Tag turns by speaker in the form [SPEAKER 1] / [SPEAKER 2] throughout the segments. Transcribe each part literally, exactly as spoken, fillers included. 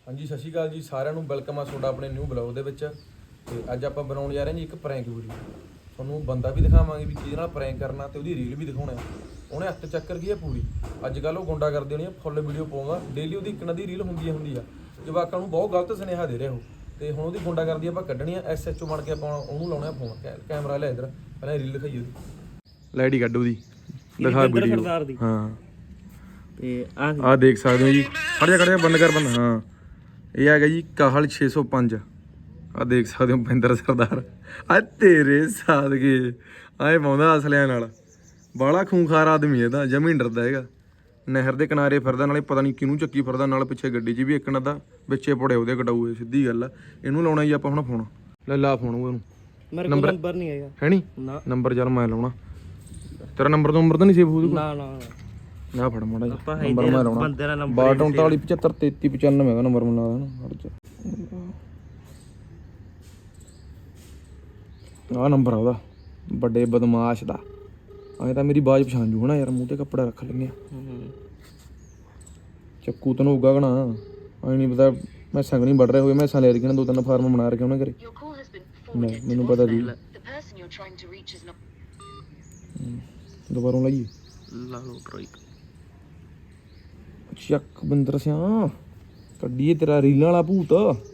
[SPEAKER 1] ਹਾਂਜੀ ਸਤਿ ਸ਼੍ਰੀ ਅਕਾਲ ਜੀ ਸਾਰਿਆਂ ਨੂੰ ਵੈਲਕਮ ਆ ਤੁਹਾਡਾ ਆਪਣੇ ਨਿਊ ਬਲੌਗ ਦੇ ਵਿੱਚ। ਤੇ ਅੱਜ ਆਪਾਂ ਬਣਾਉਣ ਜਾ ਰਹੇ ਹਾਂ ਜੀ ਇੱਕ ਪ੍ਰੈਂਕ ਵੀਡੀਓ। ਤੁਹਾਨੂੰ ਬੰਦਾ ਵੀ ਦਿਖਾਵਾਂਗੇ ਵੀ ਕਿਹਦੇ ਨਾਲ ਪ੍ਰੈਂਕ ਕਰਨਾ ਤੇ ਉਹਦੀ ਰੀਲ ਵੀ ਦਿਖਾਉਣਾ। ਉਹਨੇ ਹੱਥ ਚੱਕਰ ਕੀ ਹੈ ਪੂਰੀ। ਅੱਜ ਕੱਲ੍ਹ ਉਹ ਗੁੰਡਾ ਕਰਦੇ ਹੋਣੀ ਫੁੱਲ ਵੀਡੀਓ ਪਾਉਂਦਾ ਡੇਲੀ, ਉਹਦੀ ਇੱਕ ਨਾ ਦੀ ਰੀਲ ਹੁੰਦੀ ਹੁੰਦੀ ਆ। ਜਵਾਕਾਂ ਨੂੰ ਬਹੁਤ ਗਲਤ ਸੁਨੇਹਾ ਦੇ ਰਿਹਾ ਉਹ। ਤੇ ਹੁਣ ਉਹਦੀ ਗੁੰਡਾ ਕਰਦੀ ਆਪਾਂ ਕੱਢਣੀ ਆ। ਐਸ ਐਚ ਓ ਬਣ ਕੇ ਆਪਾਂ ਉਹਨੂੰ ਲਾਉਣਾ ਫੋਨ। ਕੈਮਰਾ ਲੈ ਇੱਧਰ, ਪਹਿਲਾਂ ਰੀਲ ਦਿਖਾਈ ਉਹਦੀ। ਲਾਈਟ ਕੱਢ ਉਹਦੀ, ਦਿਖਾ ਵੀਡੀਓ। ਹਾਂ
[SPEAKER 2] ਤੇ
[SPEAKER 1] ਆਹ ਦੇਖ ਸਕਦੇ ਹੋ ਜੀ। ਖੜ ਜਾ ਖੜ ਜਾ ਬੰਦ ਕਰ ਬੰਦ। ਹਾਂ ਇਹ ਹੈਗਾ ਜੀ ਕਾਹਲ ਛੇ ਸੌ ਪੰਜ। ਆਹ ਦੇਖ ਸਕਦੇ ਹੋ ਮਹਿੰਦਰ ਸਰਦਾਰ। ਆ ਤੇਰੇ ਸਾਦਗੇ ਆਏ ਪਾਉਂਦਾ ਅਸਲਿਆਂ ਨਾਲ। ਬਾਹਲਾ ਖੂੰਖਾਰ ਆਦਮੀ ਇਹ ਤਾਂ, ਜਮੀ ਡਰਦਾ ਹੈਗਾ। ਨਹਿਰ ਦੇ ਕਿਨਾਰੇ ਫਿਰਦਾ, ਨਾਲੇ ਪਤਾ ਨਹੀਂ ਕਿਹਨੂੰ ਚੱਕੀ ਫਿਰਦਾ। ਨਾਲ ਪਿੱਛੇ ਗੱਡੀ 'ਚ ਵੀ ਇੱਕ ਨਾ ਦਾ ਵਿੱਚੇ ਪੜੇ ਉਹਦੇ ਕਟਾਊਏ। ਸਿੱਧੀ ਗੱਲ ਆ। ਇਹਨੂੰ ਲਾਉਣਾ ਜੀ ਆਪਾਂ ਹੁਣ ਫੋਨ। ਲੈ ਲਾ ਫੋਨ ਉਹਨੂੰ।
[SPEAKER 2] ਮੇਰੇ ਕੋਲ ਨੰਬਰ ਨਹੀਂ ਹੈਗਾ।
[SPEAKER 1] ਹੈ ਨਹੀਂ ਨੰਬਰ? ਚੱਲ ਮੈਂ ਲਾਉਣਾ। ਤੇਰਾ ਨੰਬਰ ਤੋਂ ਨੰਬਰ ਤਾਂ ਨਹੀਂ ਸੇਵ ਹੋਊ?
[SPEAKER 2] ਨਾ ਨਾ
[SPEAKER 1] ਨਾ ਫੜ ਮਾੜਾ ਜਿਹਾ ਨੰਬਰ ਮੈਂ ਲਾਉਣਾ।
[SPEAKER 2] ਬੰਦੇ ਦਾ ਨੰਬਰ
[SPEAKER 1] ਬਾਹਠ ਉਨਤਾਲੀ ਪਝੱਤਰ ਤੇਤੀ ਪਚਾਨਵੇਂ ਦਾ ਨੰਬਰ ਮੈਨੂੰ ਲੱਗਦਾ ਨਾ। ਆਹ ਨੰਬਰ ਆ ਉਹਦਾ, ਵੱਡੇ ਬਦਮਾਸ਼ ਦਾ। ਐਂ ਤਾਂ ਮੇਰੀ ਬਾਜ ਪਛਾਣ ਜੂ ਹਨਾ ਯਾਰ। ਮੂੰਹ ਤੇ ਕੱਪੜਾ ਰੱਖ ਲੈਂਦੇ ਆ। ਚੱਕੂ ਤੈਨੂੰ ਉਗਾ ਗਣਾ ਐ ਨਹੀਂ ਪਤਾ। ਮੈਸਾਂ ਨਹੀਂ ਵੱਢ ਰਹੇ ਹੋਏ। ਮੈਸਾਂ ਲੈ ਰਹੀਆਂ ਦੋ ਤਿੰਨ ਫਾਰਮ ਬਣਾ ਰੱਖੇ ਉਹਨੇ ਘਰੇ। ਮੈਨੂੰ ਪਤਾ ਸੀ। ਦੁਬਾਰਾ ਲਾਈਏ
[SPEAKER 2] ਲਾ ਲਓ ਟਰਾਈ।
[SPEAKER 1] ਚੱਕ ਬਿੰਦਰ ਸਿਆ ਕੱਢੀਏ ਤੇਰਾ ਰੀਲਾਂ ਵਾਲਾ ਭੂਤ।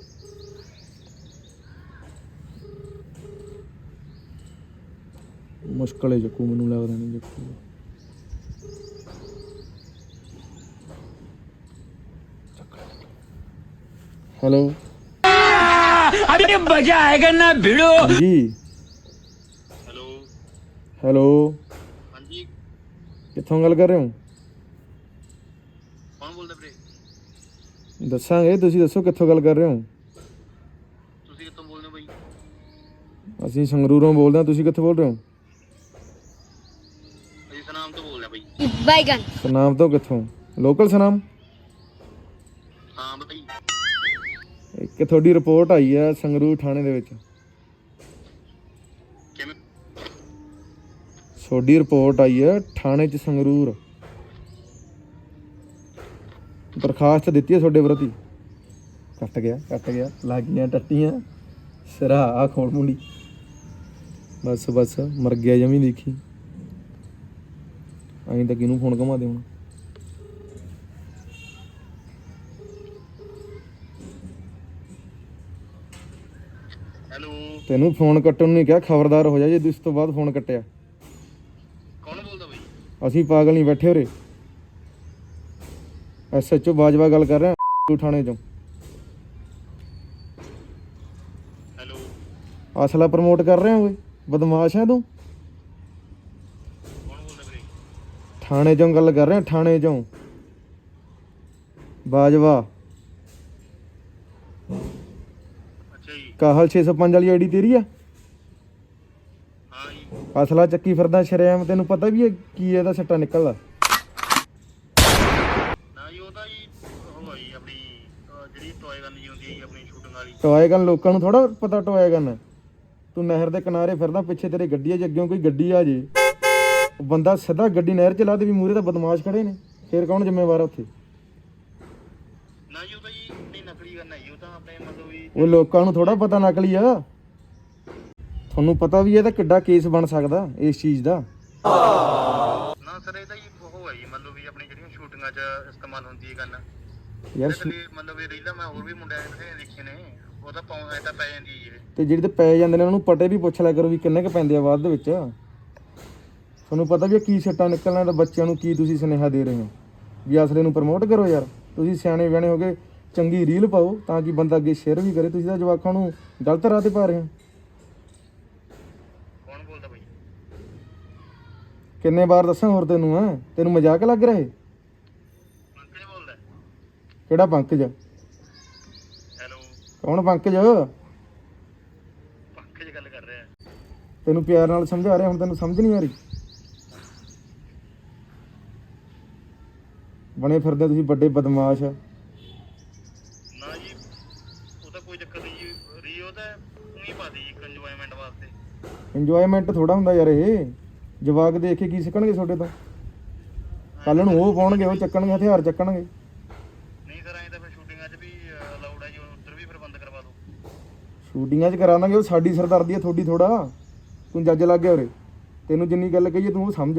[SPEAKER 1] ਮੁਸ਼ਕਲ ਹੈ ਚੱਕੂ, ਮੈਨੂੰ ਲੱਗਦਾ ਨਹੀਂ ਚੱਕੂ। ਹੈਲੋ
[SPEAKER 3] अभी मजा आएगा ना भिड़ो।
[SPEAKER 1] जी
[SPEAKER 4] ਹੈਲੋ
[SPEAKER 1] ਹੈਲੋ
[SPEAKER 4] ਹਾਂਜੀ
[SPEAKER 1] ਕਿੱਥੋਂ ਗੱਲ ਕਰ ਰਹੇ ਹੋ?
[SPEAKER 4] ਕੌਣ ਬੋਲਦਾ ਵੀਰੇ?
[SPEAKER 1] ਦੱਸਾਂਗੇ, ਤੁਸੀਂ ਦੱਸੋ ਕਿੱਥੋਂ ਗੱਲ ਕਰ ਰਹੇ ਹੋ?
[SPEAKER 4] ਤੁਸੀਂ ਕਿੱਥੋਂ ਬੋਲਦੇ ਹੋ ਬਾਈ?
[SPEAKER 1] ਅਸੀਂ ਸੰਗਰੂਰੋਂ ਬੋਲਦੇ ਹਾਂ। ਤੁਸੀਂ ਕਿੱਥੋਂ ਬੋਲ ਰਹੇ ਹੋ?
[SPEAKER 4] ਅਸੀਂ ਸਨਾਮ ਤੋਂ ਬੋਲਦੇ ਹਾਂ ਬਾਈ।
[SPEAKER 5] बैगन
[SPEAKER 1] ਸਨਾਮ ਤੋਂ? ਕਿੱਥੋਂ? ਲੋਕਲ ਸਨਾਮ?
[SPEAKER 4] ਹਾਂ ਬਾਈ।
[SPEAKER 1] ਇੱਕ ਤੁਹਾਡੀ ਰਿਪੋਰਟ ਆਈ ਹੈ ਸੰਗਰੂਰ ਥਾਣੇ ਦੇ ਵਿੱਚ।
[SPEAKER 4] ਕਿਵੇਂ?
[SPEAKER 1] ਤੁਹਾਡੀ ਰਿਪੋਰਟ ਆਈ ਹੈ ਥਾਣੇ 'ਚ ਸੰਗਰੂਰ। ਦਰਖਾਸਤ ਦਿੱਤੀ ਹੈ ਤੁਹਾਡੇ ਪ੍ਰਤੀ। ਕੱਟ ਗਿਆ ਕੱਟ ਗਿਆ ਲੱਗ ਗਈਆਂ ਟੱਟੀਆਂ ਸਿਰਾ। ਆ ਖੋਲ ਮੁੰਡੀ ਬਸ ਬਸ ਮਰ ਗਿਆ ਜਮੀ। ਦੇਖੀ ਅਸੀਂ ਤਾਂ ਕਿਹਨੂੰ ਫੋਨ ਘੁਮਾ ਦੇ ਹੁਣ।
[SPEAKER 4] ਹੈਲੋ
[SPEAKER 1] ਤੈਨੂੰ ਫੋਨ ਕੱਟਣ ਨੂੰ ਨਹੀਂ ਕਿਹਾ, ਖਬਰਦਾਰ ਹੋ ਜਾ ਜੇ ਇਸ ਤੋਂ ਬਾਅਦ ਫੋਨ ਕੱਟਿਆ।
[SPEAKER 4] ਕੌਣ ਬੋਲਦਾ ਬਾਈ?
[SPEAKER 1] ਅਸੀਂ ਪਾਗਲ ਨਹੀਂ ਬੈਠੇ ਉਰੇ। ਐਸ ਐਚ ਓ ਬਾਜਵਾ ਗੱਲ ਕਰ ਰਹੇ ਹਾਂ ਥਾਣੇ ਚੋਂ।
[SPEAKER 4] ਹੈਲੋ
[SPEAKER 1] ਅਸਲਾ ਪ੍ਰਮੋਟ ਕਰ ਰਹੇ ਹੋ? ਬਦਮਾਸ਼ ਹੈ ਤੂੰ।
[SPEAKER 4] ਕੌਣ ਬੋਲਦਾ ਵੀਰੇ?
[SPEAKER 1] ਥਾਣੇ ਚੋਂ ਗੱਲ ਕਰ ਰਹੇ ਹਾਂ, ਥਾਣੇ ਚੋਂ ਬਾਜਵਾ।
[SPEAKER 4] ਅੱਛਾ ਜੀ।
[SPEAKER 1] ਕਾਹਲ ਛੇ ਸੌ ਪੰਜ ਵਾਲੀ ਆਈਡੀ ਤੇਰੀ ਆ?
[SPEAKER 4] ਹਾਂ ਜੀ।
[SPEAKER 1] ਅਸਲਾ ਚੱਕੀ ਫਿਰਦਾ ਸ਼ਰੇਆਮ। ਤੈਨੂੰ ਪਤਾ ਵੀ ਹੈ ਕੀ ਇਹਦਾ ਸੱਟਾ ਨਿਕਲਦਾ?
[SPEAKER 4] ਨਾ ਜੀ ਉਹ ਤਾਂ ਜੀ ਉਹ ਆ ਜੀ ਆਪਣੀ ਅਹ ਜਿਹੜੀ ਟੋਏ ਗਨ ਜੀ ਹੁੰਦੀ ਹੈ ਜੀ ਆਪਣੀ ਸ਼ੂਟਿੰਗ ਵਾਲੀ।
[SPEAKER 1] ਟੋਏ ਗਨ ਲੋਕਾਂ ਨੂੰ ਥੋੜਾ ਪਤਾ ਟੋਏ ਗਨ। ਤੂੰ ਨਹਿਰ ਦੇ ਕਿਨਾਰੇ ਫਿਰਦਾ, ਪਿੱਛੇ ਤੇਰੇ ਗੱਡੀ ਆ, ਜੇ ਅੱਗਿਓਂ ਕੋਈ ਗੱਡੀ ਆ ਜੇ ਉਹ ਬੰਦਾ ਸਿੱਧਾ ਗੱਡੀ ਨਹਿਰ 'ਚ ਲਾ ਦੇ ਵੀ ਮੂਹਰੇ ਤਾਂ ਬਦਮਾਸ਼ ਖੜੇ ਨੇ। ਫੇਰ ਕੌਣ ਜ਼ਿੰਮੇਵਾਰ ਆ ਉੱਥੇ?
[SPEAKER 4] ਨਾ ਜੀ ਉਹ ਤਾਂ ਜੀ ਨਹੀਂ ਨਕਲੀ ਗਨ ਹੈ ਜੀ। ਉਹ ਤਾਂ ਆਪਣੇ ਮਤਲਬ ਵੀ
[SPEAKER 1] ਉਹ ਲੋਕਾਂ ਨੂੰ ਥੋੜਾ ਪਤਾ ਨਕਲੀ ਆ। ਤੁਹਾਨੂੰ ਪਤਾ ਵੀ ਇਹਦਾ ਕਿੱਡਾ ਕੇਸ ਬਣ ਸਕਦਾ ਇਸ ਚੀਜ਼ ਦਾ।
[SPEAKER 4] ਨਾ ਸਰ ਇਹ ਤਾਂ ਜੀ ਉਹ ਹੈ ਜੀ ਮਤਲਬ ਵੀ ਆਪਣੀ ਜਿਹੜੀਆਂ ਸ਼ੂਟਿੰਗਾਂ 'ਚ ਇਸਤੇਮਾਲ ਹੁੰਦੀ ਹੈ ਗਨ।
[SPEAKER 1] ਯਾਰ
[SPEAKER 4] ਕਦੇ ਮਤਲਬ ਇਹ ਰੀਲਾਂ ਮੈਂ ਹੋਰ ਵੀ ਮੁੰਡਿਆਂ ਨੇ ਦੇਖੇ ਨੇ। ਉਹ ਤਾਂ ਪਾਉਂ ਤਾਂ ਪੈ ਜਾਂਦੀ ਹੈ ਜੀ।
[SPEAKER 1] ਤੇ ਜਿਹੜੇ ਤੇ ਪੈ ਜਾਂਦੇ ਨੇ ਉਹਨਾਂ ਨੂੰ ਪਟੇ ਵੀ ਪੁੱਛ ਲਿਆ ਕਰੋ ਵੀ ਕਿੰਨੇ ਕ ਪੈਂਦੇ ਆ ਬਾਅਦ ਦੇ ਵਿੱਚ। ਤੁਹਾਨੂੰ ਪਤਾ ਵੀ ਕੀ ਸੱਟਾਂ ਨਿਕਲਣਾ। ਤਾਂ ਬੱਚਿਆਂ ਨੂੰ ਕੀ ਤੁਸੀਂ ਸੁਨੇਹਾ ਦੇ ਰਹੇ ਹੋ ਵੀ ਅਸਲੇ ਨੂੰ ਪ੍ਰਮੋਟ ਕਰੋ ਯਾਰ। ਤੁਸੀਂ ਸਿਆਣੇ ਬਿਆਣੇ ਹੋ ਗਏ, ਚੰਗੀ ਰੀਲ ਪਾਓ ਤਾਂ ਕਿ ਬੰਦਾ ਅੱਗੇ ਸ਼ੇਅਰ ਵੀ ਕਰੇ। ਤੁਸੀਂ ਤਾਂ ਜਵਾਕਾਂ ਨੂੰ ਗਲਤ ਰਾਹ ਤੇ ਪਾ ਰਹੇ ਹੋ।
[SPEAKER 4] ਕੌਣ ਬੋਲਦਾ ਬਾਈ?
[SPEAKER 1] ਕਿੰਨੇ ਵਾਰ ਦੱਸਾਂ ਹੋਰ ਤੈਨੂੰ? ਹੈ ਤੈਨੂੰ ਮਜ਼ਾਕ ਲੱਗ ਰਿਹਾ?
[SPEAKER 4] ਪੰਕਜ ਬੋਲਦਾ?
[SPEAKER 1] ਕਿਹੜਾ ਪੰਕਜ?
[SPEAKER 4] ਹੈਲੋ
[SPEAKER 1] ਕੌਣ ਪੰਕਜ?
[SPEAKER 4] ਪੰਕਜ ਗੱਲ ਕਰ ਰਿਹਾ।
[SPEAKER 1] ਤੈਨੂੰ ਪਿਆਰ ਨਾਲ ਸਮਝਾ ਰਿਹਾ, ਹੁਣ ਤੈਨੂੰ ਸਮਝ ਨਹੀਂ ਆ ਰਹੀ? ਬਣੇ ਫਿਰਦੇ ਤੁਸੀਂ ਵੱਡੇ ਬਦਮਾਸ਼।
[SPEAKER 4] ਨਾ ਜੀ ਉਹ ਤਾਂ ਕੋਈ ਚੱਕਰ ਨਹੀਂ ਜੀ। ਰੀ ਉਹ ਤਾਂ ਉਹੀ ਪਾਦੀ ਜੀ ਇੰਜੋਇਮੈਂਟ ਵਾਸਤੇ।
[SPEAKER 1] ਇੰਜੋਇਮੈਂਟ ਥੋੜਾ ਹੁੰਦਾ ਯਾਰ ਇਹ। ਜਵਾਕ ਦੇਖ ਕੇ ਕੀ ਸਿੱਖਣਗੇ ਤੁਹਾਡੇ ਤੋਂ? ਕੱਲ ਨੂੰ ਉਹ ਪਾਉਣਗੇ, ਉਹ ਚੱਕਣਗੇ ਹਥਿਆਰ ਚੱਕਣਗੇ।
[SPEAKER 4] ਨਹੀਂ ਸਰ ਐਂ ਤਾਂ ਫਿਰ ਸ਼ੂਟਿੰਗਾਂ 'ਚ ਵੀ ਅਲਾਉਡ ਹੈ ਜੀ ਉਧਰ ਵੀ ਫਿਰ ਬੰਦ ਕਰਵਾ ਦਿਓ।
[SPEAKER 1] ਸ਼ੂਟਿੰਗਾਂ 'ਚ ਕਰਾ ਦਾਂਗੇ, ਉਹ ਸਾਡੀ ਸਰਦਾਰਦੀ ਆ ਤੁਹਾਡੀ ਥੋੜਾ। ਤੂੰ ਜੱਜ ਲੱਗ ਗਿਆ ਉਰੇ, ਤੈਨੂੰ ਜਿੰਨੀ ਗੱਲ ਕਹੀਏ ਤੂੰ ਉਹ ਸਮਝ।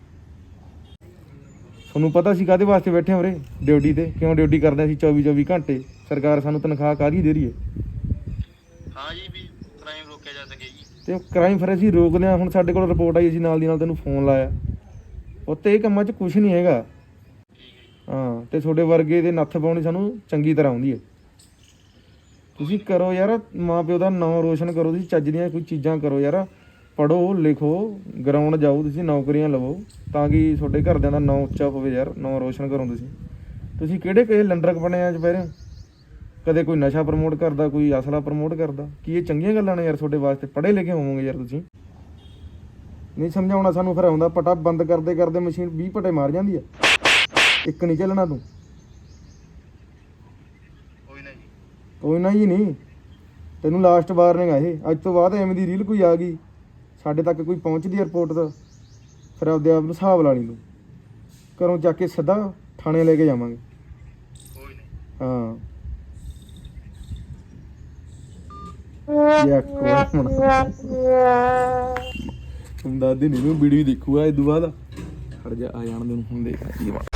[SPEAKER 1] ਤੁਹਾਨੂੰ ਪਤਾ ਸੀ ਕਾਹਦੇ ਵਾਸਤੇ ਬੈਠੇ ਉਰੇ ਡਿਊਟੀ ਤੇ, ਕਿਉਂ ਡਿਊਟੀ ਕਰਦੇ ਅਸੀਂ ਚੌਵੀ ਚੌਵੀ ਘੰਟੇ। ਸਰਕਾਰ ਸਾਨੂੰ ਤਨਖਾਹ ਕਾਹਦੀ ਦੇ ਰਹੀ ਹੈ?
[SPEAKER 4] ਹਾਂ ਜੀ ਵੀ ਕ੍ਰਾਈਮ ਰੋਕਿਆ ਜਾ ਸਕੇ ਜੀ।
[SPEAKER 1] ਤੇ ਕ੍ਰਾਈਮ ਫਿਰ ਅਸੀਂ ਰੋਕਦੇ ਹਾਂ। ਹੁਣ ਸਾਡੇ ਕੋਲ ਰਿਪੋਰਟ ਆਈ, ਅਸੀਂ ਨਾਲ ਦੀ ਨਾਲ ਤੈਨੂੰ ਫੋਨ ਲਾਇਆ। ਉੱਤੇ ਇਹ ਕੰਮਾਂ 'ਚ ਕੁਝ ਨਹੀਂ ਹੈਗਾ। ਹਾਂ, ਤੇ ਤੁਹਾਡੇ ਵਰਗੇ ਦੇ ਨੱਥ ਪਾਉਣੀ ਸਾਨੂੰ ਚੰਗੀ ਤਰ੍ਹਾਂ ਆਉਂਦੀ ਹੈ। ਤੁਸੀਂ ਕਰੋ ਯਾਰ, ਮਾਂ ਪਿਓ ਦਾ ਨਾਂ ਰੋਸ਼ਨ ਕਰੋ, ਤੁਸੀਂ ਚੱਜ ਦੀਆਂ ਕੋਈ ਚੀਜ਼ਾਂ ਕਰੋ ਯਾਰ। ਪੜ੍ਹੋ ਲਿਖੋ, ਗਰਾਊਂਡ ਜਾਓ, ਤੁਸੀਂ ਨੌਕਰੀਆਂ ਲਵੋ ਤਾਂ ਕਿ ਤੁਹਾਡੇ ਘਰਦਿਆਂ ਦਾ ਨਾਂ ਉੱਚਾ ਹੋਵੇ ਯਾਰ, ਨਾਂ ਰੋਸ਼ਨ ਕਰੋ ਤੁਸੀਂ। ਤੁਸੀਂ ਕਿਹੜੇ ਕਿਹੜੇ ਲੰਡਰਕ ਬਣੇ ਆ ਚੁਪਹਿਰੇ? ਕਦੇ ਕੋਈ ਨਸ਼ਾ ਪ੍ਰਮੋਟ ਕਰਦਾ, ਕੋਈ ਅਸਲਾ ਪ੍ਰਮੋਟ ਕਰਦਾ। ਕੀ ਇਹ ਚੰਗੀਆਂ ਗੱਲਾਂ ਨੇ ਯਾਰ ਤੁਹਾਡੇ ਵਾਸਤੇ? ਪੜ੍ਹੇ ਲਿਖੇ ਹੋਵੋਗੇ ਯਾਰ ਤੁਸੀਂ। ਨਹੀਂ ਸਮਝਾਉਣਾ ਸਾਨੂੰ, ਫਿਰ ਆਉਂਦਾ ਪਟਾ ਬੰਦ ਕਰਦੇ ਕਰਦੇ ਮਸ਼ੀਨ ਵੀਹ ਪਟੇ ਮਾਰ ਜਾਂਦੀ ਆ। ਇੱਕ ਨਹੀਂ ਚੱਲਣਾ ਤੂੰ।
[SPEAKER 4] ਕੋਈ ਨਾ ਜੀ।
[SPEAKER 1] ਕੋਈ ਨਾ ਜੀ ਨਹੀਂ, ਤੈਨੂੰ ਲਾਸਟ ਵਾਰਨਿੰਗ ਆ ਇਹ। ਅੱਜ ਤੋਂ ਬਾਅਦ ਐਵੇਂ ਦੀ ਰੀਲ ਕੋਈ ਆ ਗਈ ਸਾਡੇ ਤੱਕ, ਕੋਈ ਪਹੁੰਚਦੀ ਰਿਪੋਰਟ ਦਾ, ਫਿਰ ਆਪਦੇ ਆਪ ਨੂੰ ਹਿਸਾਬ ਲਾ ਲਈ ਤੂੰ। ਘਰੋਂ ਚੱਕ ਕੇ ਸਿੱਧਾ ਥਾਣੇ ਲੈ ਕੇ ਜਾਵਾਂਗੇ।
[SPEAKER 4] ਕੋਈ ਨਹੀਂ।
[SPEAKER 1] ਹਾਂ ਯਾ ਕੋਈ ਹੁਣ ਦਾਦੀ ਨਹੀਂ ਨੂੰ ਵੀਡੀਓ ਦੇਖੂਗਾ ਇਹ ਤੋਂ ਬਾਅਦ। ਹਟ ਜਾ, ਆ ਜਾਣ ਦੇ ਨੂੰ, ਹੁਣ ਦੇਖ ਕੀ ਬਣ।